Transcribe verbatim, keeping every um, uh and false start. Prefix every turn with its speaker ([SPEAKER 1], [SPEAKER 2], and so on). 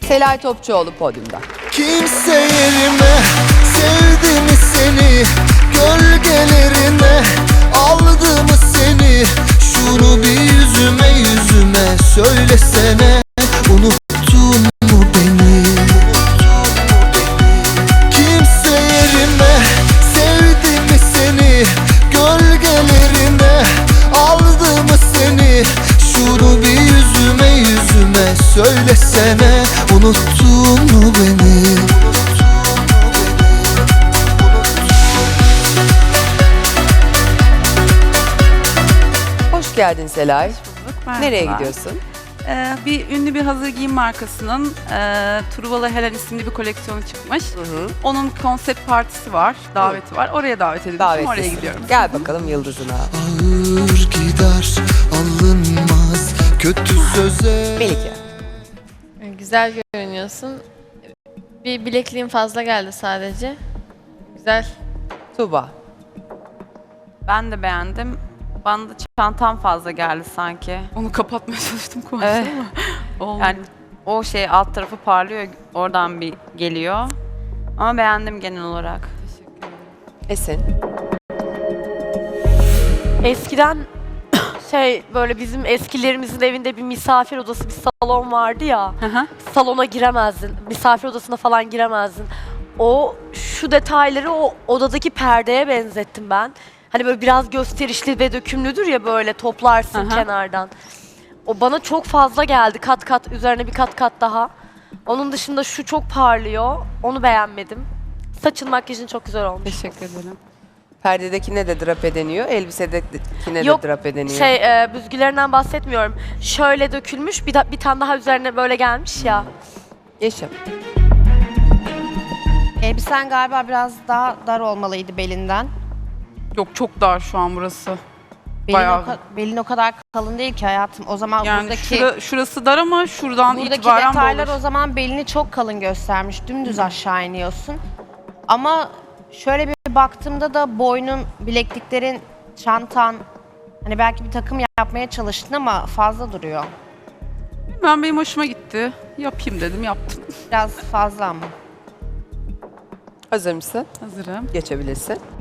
[SPEAKER 1] Selay Topçuoğlu podyumda.
[SPEAKER 2] Kimse yerime sevdi mi seni? Gölgelerine aldı mı seni? Şunu bir yüzüme yüzüme söylesene. Unuttun mu beni? Kimse yerime sevdi mi seni? Gölgelerine aldı mı seni? Şunu bir yüzüme yüzüme söylesene. Unuttun mu beni?
[SPEAKER 1] Hoş geldin Selay.
[SPEAKER 3] Merhabalar.
[SPEAKER 1] Nereye gidiyorsun?
[SPEAKER 3] Ee, bir ünlü bir hazır giyim markasının e, Truvalı Helen isimli bir koleksiyonu çıkmış.
[SPEAKER 1] Hı hı.
[SPEAKER 3] Onun konsept partisi var, daveti var. Oraya davet edilmişim, oraya
[SPEAKER 1] Davetlisin.
[SPEAKER 3] gidiyorum.
[SPEAKER 1] Gel bakalım yıldızına.
[SPEAKER 2] Ağır gider alınmaz kötü söze.
[SPEAKER 1] Melike.
[SPEAKER 4] Güzel görünüyorsun. Bir bilekliğin fazla geldi sadece. Güzel.
[SPEAKER 1] Tuğba.
[SPEAKER 5] Ben de beğendim. Bana da çantam fazla geldi sanki.
[SPEAKER 3] Onu kapatmaya çalıştım konuştu
[SPEAKER 5] Evet.
[SPEAKER 3] ama olmadı.
[SPEAKER 5] Yani o şey alt tarafı parlıyor, oradan bir geliyor. Ama beğendim genel olarak.
[SPEAKER 1] Esin.
[SPEAKER 6] Eskiden şey böyle bizim eskilerimizin evinde bir misafir odası, bir salon vardı ya.
[SPEAKER 3] Hı hı.
[SPEAKER 6] Salona giremezdin. Misafir odasına falan giremezdin. O şu detayları o odadaki perdeye benzettim ben. Hani böyle biraz gösterişli ve dökümlüdür ya, böyle toplarsın
[SPEAKER 3] Hı hı.
[SPEAKER 6] kenardan. O bana çok fazla geldi. Kat kat üzerine bir kat kat daha. Onun dışında şu çok parlıyor. Onu beğenmedim. Saçın, makyajın çok güzel olmuş.
[SPEAKER 3] Teşekkür ederim.
[SPEAKER 1] Perdedekine de drape deniyor, elbisedekine
[SPEAKER 6] Yok,
[SPEAKER 1] de drape deniyor.
[SPEAKER 6] Şey e, büzgülerinden bahsetmiyorum. Şöyle dökülmüş, bir, da- bir tane daha üzerine böyle gelmiş ya.
[SPEAKER 1] Yeşim.
[SPEAKER 7] Elbisen galiba biraz daha dar olmalıydı belinden.
[SPEAKER 3] Yok, çok dar şu an burası.
[SPEAKER 7] Belin,
[SPEAKER 3] Bayağı.
[SPEAKER 7] o, ka- belin o kadar kalın değil ki hayatım. O zaman
[SPEAKER 3] Yani
[SPEAKER 7] buradaki
[SPEAKER 3] şura- şurası dar ama şuradan
[SPEAKER 7] buradaki
[SPEAKER 3] itibaren
[SPEAKER 7] detaylar
[SPEAKER 3] bu olur.
[SPEAKER 7] o zaman belini çok kalın göstermiş. Dümdüz aşağı iniyorsun. Ama şöyle bir baktığımda da boynun, bilekliklerin, çantan, hani belki bir takım yapmaya çalıştın ama fazla duruyor.
[SPEAKER 3] Ben benim hoşuma gitti. Yapayım dedim, yaptım.
[SPEAKER 7] Biraz fazla ama.
[SPEAKER 1] Hazır mısın?
[SPEAKER 3] Hazırım.
[SPEAKER 1] Geçebilirsin.